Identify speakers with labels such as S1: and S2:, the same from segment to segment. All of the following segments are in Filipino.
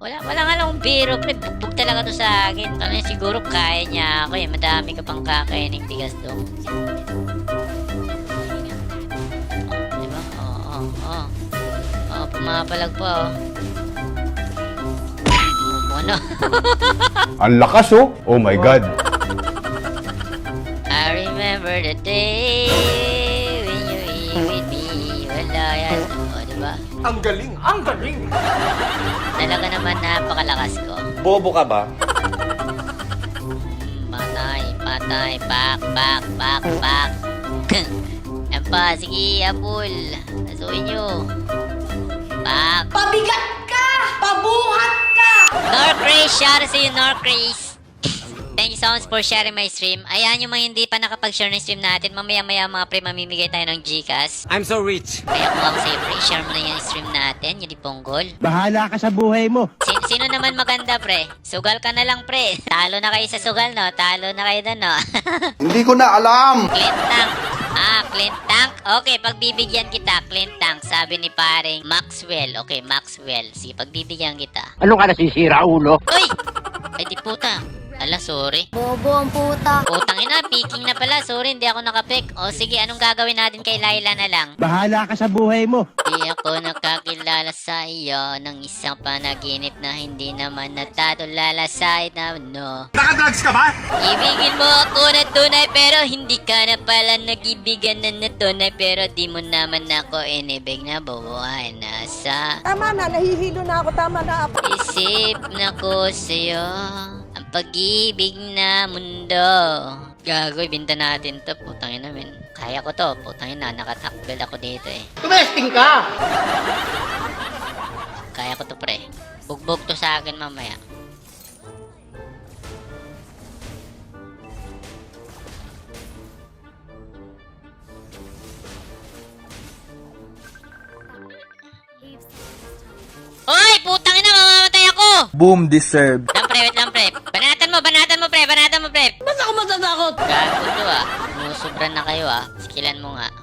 S1: Wala nga lang biro, pre. Bugbog talaga to sa akin. Kaya siguro kaya niya ako eh. Madami ka pang kakainin bigas doon. Diba? Oo. Pumapalag pa, oh. Ano?
S2: Ang lakas oh. Oh my God.
S1: I remember the day when you eat with me. Wala yan. O, diba?
S3: Ang galing! Ang galing!
S1: Talaga naman napakalakas ko.
S3: Bobo ka ba?
S1: Patay. Back. Yan pa, sige, Apple. Asuin nyo. Back.
S4: Pabigat ka! Pabuhat ka!
S1: Norcraze, shout out sa iyo, Norcraze. Thank you so much for sharing my stream. Ayan yung mga hindi pa nakapag-share ng stream natin. Mamaya-maya mga pre, mamimigay tayo ng Gcash.
S3: I'm so rich!
S1: Kaya kung ako sa'yo pre, share mo na yung stream natin. Yung di ponggol.
S5: Bahala ka sa buhay mo.
S1: Sino naman maganda pre? Sugal ka na lang pre. Talo na kayo sa sugal no? Talo na kayo doon no?
S2: Hindi ko na alam.
S1: Clint Tank. Clint Tank. Okay, pagbibigyan kita, Clint Tank. Sabi ni paring Maxwell. Okay, Maxwell. Sige, pagbibigyan kita.
S5: Ano ka nasisira, ulo?
S1: Uy! Ay di puta. Ala, sorry.
S4: Bobo ang puta.
S1: Putang ina, peeking na pala. Sorry, hindi ako nakapik. O sige, anong gagawin natin kay Laila na lang?
S5: Bahala ka sa buhay mo.
S1: Di ako nakakilala sa iyo ng isang panaginip na hindi naman natatulala sa no.
S3: Nakadrugs ka ba?
S1: Ibigin mo ako na tunay pero hindi ka na pala nag-ibigan na tunay pero di mo naman ako inibig na bubuhay na sa
S6: Tama na, nahihilo na ako. Tama na.
S1: isip na ko sa'yo ang pag-ibig na mundo. Gago, ibinta natin to. Putang ina, men. Kaya ko to. Putang ina, nakatakbel ako dito eh.
S5: Tumesting ka!
S1: Kaya ko to, pre. Bugbog to sa akin mamaya. Hoy! Putang ina, mamamatay ako!
S7: Boom deserved.
S1: Wait lang, pre. Banatan mo, pre.
S6: Ba't ako matatakot?
S1: Gago to, ah. Musubran na kayo, ah. Skillan mo nga.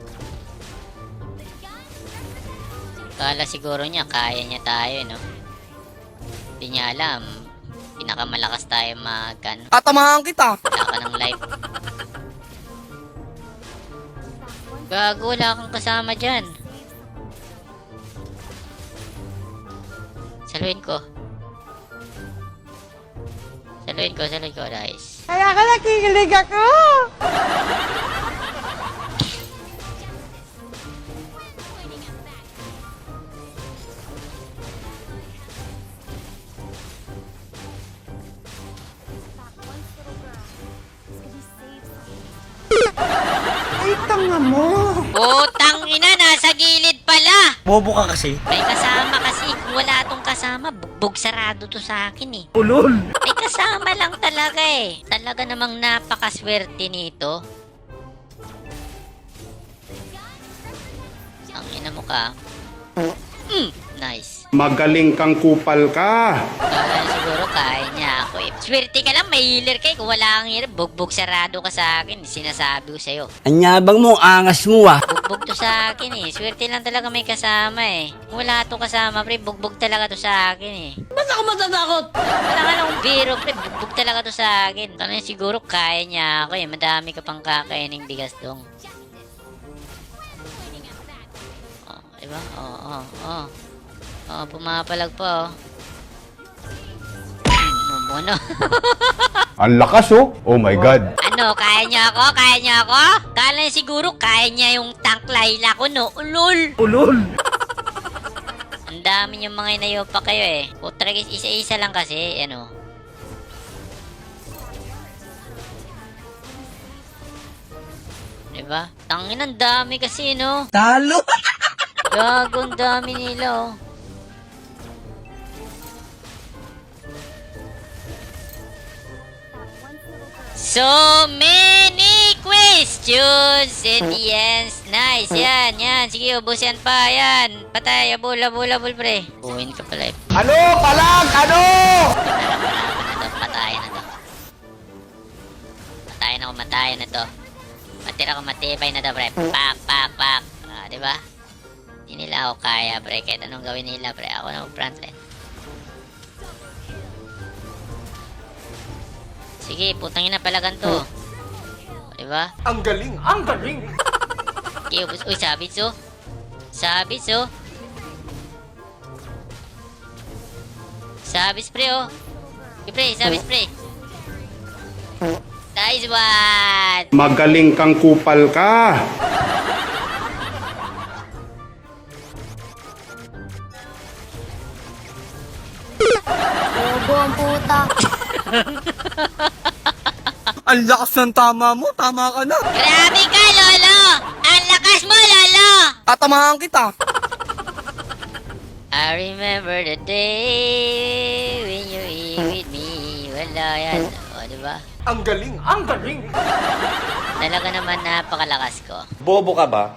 S1: Kala siguro niya, kaya niya tayo, no? Hindi niya alam. Pinakamalakas tayo mag-ano.
S6: Tatamahan kita.
S1: Wala ka ng life. Gago, wala kang kasama dyan. Saluhin ko. Guys.
S6: Kaya ka nakikilig ako. Ay, tanga mo.
S1: Putang ina, nasa gilid pala.
S3: Bobo ka kasi.
S1: May kasama kasi. Kung wala tong kasama, bugbog sarado to sa akin eh.
S3: Ulol!
S1: May kasama lang talaga eh. Talaga namang napakaswerte nito. Ang ina mo ka. Nice.
S2: Magaling kang kupal ka.
S1: Kala siguro kaya niya ako eh. Swerte ka lang, may healer kay. Kung wala kang healer, bugbog sarado ka sa akin. Sinasabi ko sa'yo.
S5: Anyabang mo, angas mo ah.
S1: Bugbog to sa akin eh. Swerte lang talaga may kasama eh. Kung wala to kasama, pre, bugbog talaga to sa akin eh.
S6: Ba't ako matatakot?
S1: Wala nga lang biro, pre. Bugbog talaga to sa akin. Kaya siguro kaya niya ako eh. Madami ka pang kakainin bigas dong. Oh, diba? Pumapalag pa, oh. Ano?
S2: Ang lakas oh. Oh my God.
S1: Ano, kaya niya ako? Kala niya siguro kaya niya yung tank Layla ko, no? Ulol! Ang dami yung mga inayo pa kayo eh. Putra guys, isa-isa lang kasi, ano. Diba? Tangin, ang dami kasi, no?
S5: Talo!
S1: Gago, ang dami nila, oh. So many questions and the ends. Nice, yan. Sige, ubusin pa, yan. Patay, abul, pre. Buhin ka pala, eh.
S3: Ano? Palag! Ano?
S1: Matayan na to. Matira ko matibay na to, pre. Pak. Diba? Hindi nila ako kaya, pre. Kahit anong gawin nila, pre. Ako na mag-front line. Sige, putang ina pala ganito. Diba?
S3: Ang galing, ang galing.
S1: Okay, ubos. Uy, sabits oh. Sabits oh. Sabits pre oh. Okay, pre, sabits pre. Nice one!
S2: Magaling kang kupal ka.
S4: Bobo ang puta.
S6: Ang lakas ng tama mo. Tama ka na.
S1: Grabe ka, Lolo! Ang lakas mo, Lolo!
S6: Tatamahan kita.
S1: I remember the day when you were with me. Wala yan. O, diba?
S3: Ang galing, ang galing.
S1: Talaga naman napakalakas ko.
S3: Bobo ka ba?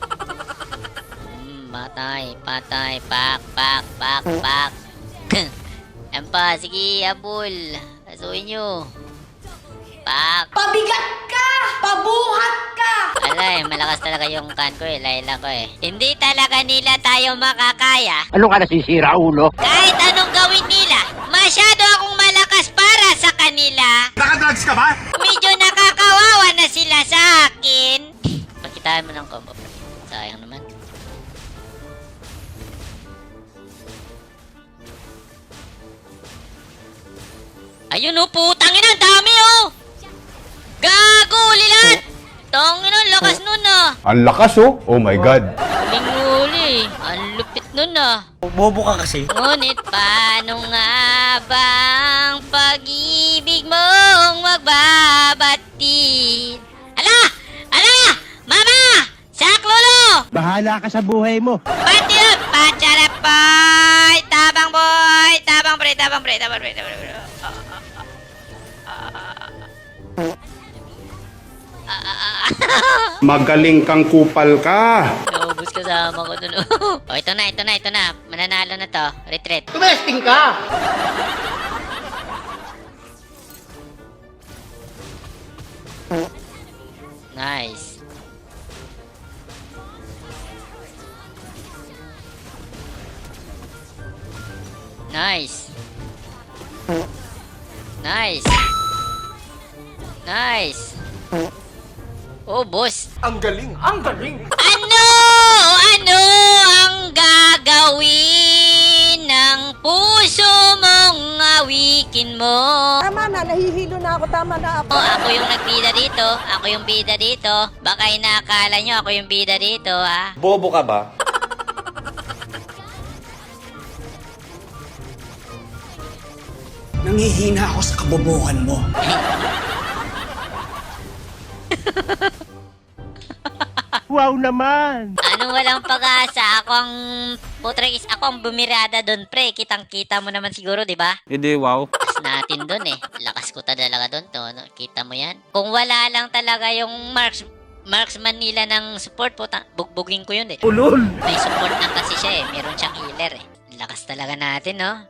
S1: Patay, patay, pak, pak, pak, pak. Yan pa, sige, abol. Asuin nyo. Pak.
S4: Pabigat ka! Pabuhat ka!
S1: Alay, malakas talaga yung kan ko eh, layla ko eh. Hindi talaga nila tayo makakaya.
S5: Ano ka nasisira, ulo?
S1: Kahit anong gawin nila, masyado akong malakas para sa kanila.
S3: Nakadrugs ka ba?
S1: Medyo nakakawawa na sila sa akin. Pakitaan mo ng combo. Sayang naman. Ayun oh, putang ina, ang dami oh! Gago, lilat! Tangin ang lakas nun ah!
S2: Ang lakas oh. Oh my God.
S1: Huling-huli, ang lupit nun ah.
S3: Bobo ka kasi.
S1: Ngunit paano nga bang pag-ibig mong magbabatid? Ala! Ala! Mama! Saklolo!
S5: Bahala ka sa buhay mo.
S1: Pati yun! Pacharap boy! Tabang boy! Tabang pre! Tabang pre! Tabang pre! Tabang pre!
S2: Magaling kang kupal ka.
S1: Naubos kasama ko dun. Oh, ito na, ito na, ito na. Mananalo na to. Retreat.
S5: Tumesting ka!
S1: Nice. Nice. Nice. Nice. Oh, boss.
S3: Ang galing, ang galing.
S1: Ano? Ano ang gagawin ng puso mong awikin mo?
S6: Tama na. Nahihilo na ako. Tama na ako.
S1: Ako yung nagbida dito. Ako yung bida dito. Baka inaakala nyo ako yung bida dito, ha?
S3: Bobo ka ba?
S5: Nangihina ako sa kabobohan mo. Wow naman!
S1: Anong walang pag-asa? Ako ang putrekis. Ako ang bumirada doon, pre. Kitang-kita mo naman siguro, di ba?
S3: Hindi, wow.
S1: Lakas natin doon eh. Lakas ko talaga doon to. No? Kita mo yan? Kung wala lang talaga yung marksman nila ng support, bugbugin ko yun eh.
S5: Ulol!
S1: May support lang kasi siya eh. Meron siyang healer eh. Lakas talaga natin, no?